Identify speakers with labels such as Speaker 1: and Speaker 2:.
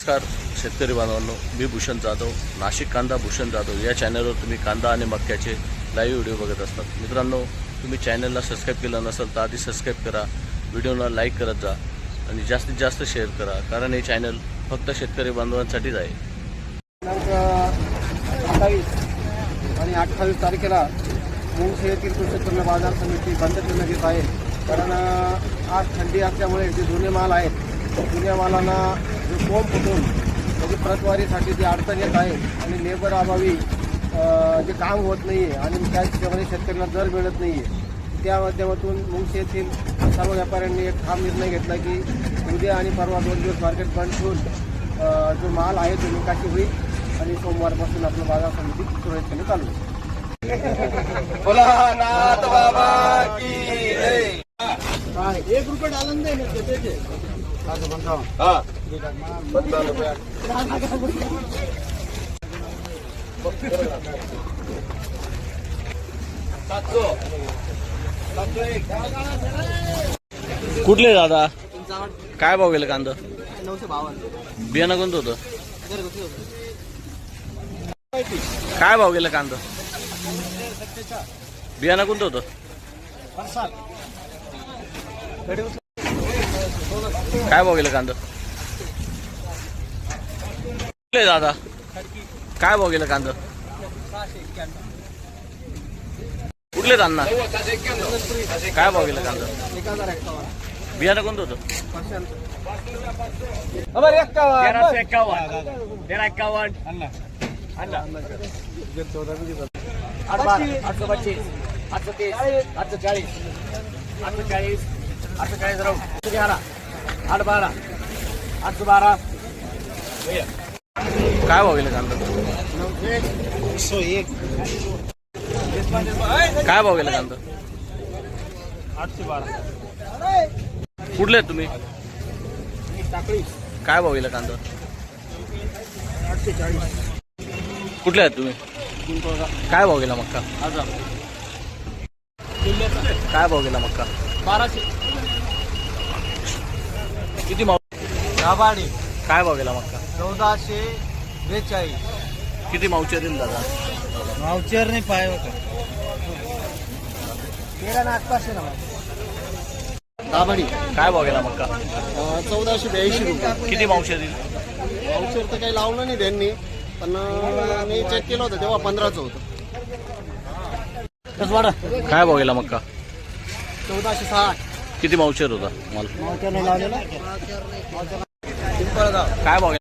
Speaker 1: नमस्कार शेतकरी बांधवांनो, मी भूषण जाधव, नाशिक कांदा भूषण जाधव या चॅनलवर तुम्ही कांदा आणि मक्याचे लाईव्ह व्हिडिओ बघत असतात। मित्रांनो, तुम्ही चॅनलला सबस्क्राईब केलं नसेल तर आधी सबस्क्राईब करा, व्हिडिओला लाईक करत जा आणि जास्तीत जास्त शेअर करा, कारण हे चॅनल फक्त शेतकरी बांधवांसाठीच आहे।
Speaker 2: दिनांक 27 आणि 28 तारखेला मुंगशी येथील कृषी उत्पन्न बाजार समिती बंद करण्यात येत आहे। कारण आज थंडी असल्यामुळे जे जुने माल आहेत, जुन्या मालांना जो कोंब फुटून त्याची प्रतवारीसाठी जी अडचण येत आहे आणि लेबर अभावी जे काम होत नाही आहे आणि त्याच्यामध्ये शेतकऱ्यांना दर मिळत नाही आहे, त्या माध्यमातून मुंगशी येथील सर्व व्यापाऱ्यांनी एक ठाम निर्णय घेतला की उद्या आणि परवा 2 दिवस मार्केट बंद ठेवून जो माल आहे तो निकाशी होईल आणि सोमवारपासून आपलं बाजार समिती सुरळीतपणे चालू होईल। एक रुपये डालन दे
Speaker 1: कुठले दादा काय भाव गेले कांदा?
Speaker 2: 952
Speaker 1: बियाणं कोणतं होतं? काय भाव गेलं कांदा? बियाणं कोणतं होतं? काय भाव गेलं कांदा? कुठले दादा काय भाव गेलं कांदा? कुठले अण्णा काय भाव गेलं कांदा?
Speaker 2: 1051
Speaker 1: बियाणं कोणतं होतं?
Speaker 2: 812 812
Speaker 1: काय भाव गेलं कांदा?
Speaker 2: 901
Speaker 1: काय भाव गेलं कांदा?
Speaker 2: 812
Speaker 1: कुठले आहेत तुम्ही?
Speaker 2: टाकळी
Speaker 1: काय भाव गेलं कांदा?
Speaker 2: 840
Speaker 1: कुठले आहेत तुम्ही? काय भाव गेला मक्का? काय भाव गेला मक्का?
Speaker 2: 1200
Speaker 1: किती माव?
Speaker 2: दाबाडी
Speaker 1: काय भाव गेला मक्का?
Speaker 2: 1442
Speaker 1: किती मावचे दिल दादा?
Speaker 2: मावचर नाही पाय होता तेरा ना आसपास ना दाबाडी
Speaker 1: काय भाव गेला मक्का?
Speaker 2: 1482 रुपये।
Speaker 1: किती मावचे दिल?
Speaker 2: मावचर तर काही लावलं नाही त्यांनी, पण मी चेक केलं होतं तेव्हा 15चं होतं।
Speaker 1: काय भाव गेला मक्का?
Speaker 2: 1460
Speaker 1: किती मावचेर होता माल?
Speaker 2: मावचर नाही लावलेला
Speaker 1: काय भाव गेला?